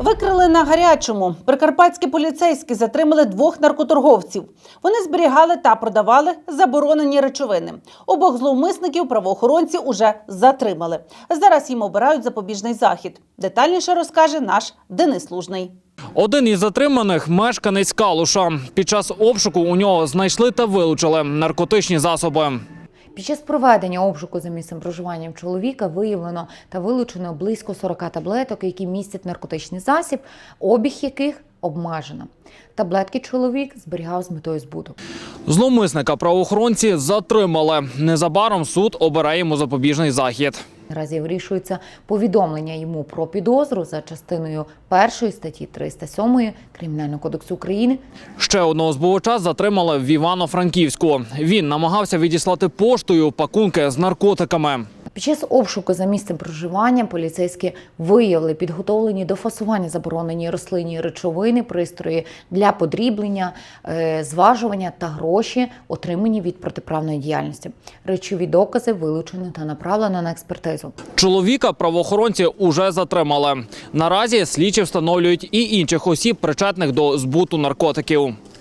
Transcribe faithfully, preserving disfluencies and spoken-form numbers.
Викрили на гарячому. Прикарпатські поліцейські затримали двох наркоторговців. Вони зберігали та продавали заборонені речовини. Обох зловмисників правоохоронці уже затримали. Зараз їм обирають запобіжний захід. Детальніше розкаже наш Денис Лужний. Один із затриманих – мешканець Калуша. Під час обшуку у нього знайшли та вилучили наркотичні засоби. Під час проведення обшуку за місцем проживання чоловіка виявлено та вилучено близько сорока таблеток, які містять наркотичний засіб, обіг яких обмежено. Таблетки чоловік зберігав з метою збуту. Зловмисника правоохоронці затримали. Незабаром суд обирає йому запобіжний захід. Наразі вирішується повідомлення йому про підозру за частиною першої статті триста сьомої Кримінального кодексу України. Ще одного збувача затримали в Івано-Франківську. Він намагався відіслати поштою пакунки з наркотиками. Під час обшуку за місцем проживання поліцейські виявили підготовлені до фасування заборонені рослинні речовини, пристрої для подріблення, зважування та гроші, отримані від протиправної діяльності. Речові докази вилучено та направлено на експертизу. Чоловіка правоохоронці уже затримали. Наразі слідчі встановлюють і інших осіб, причетних до збуту наркотиків.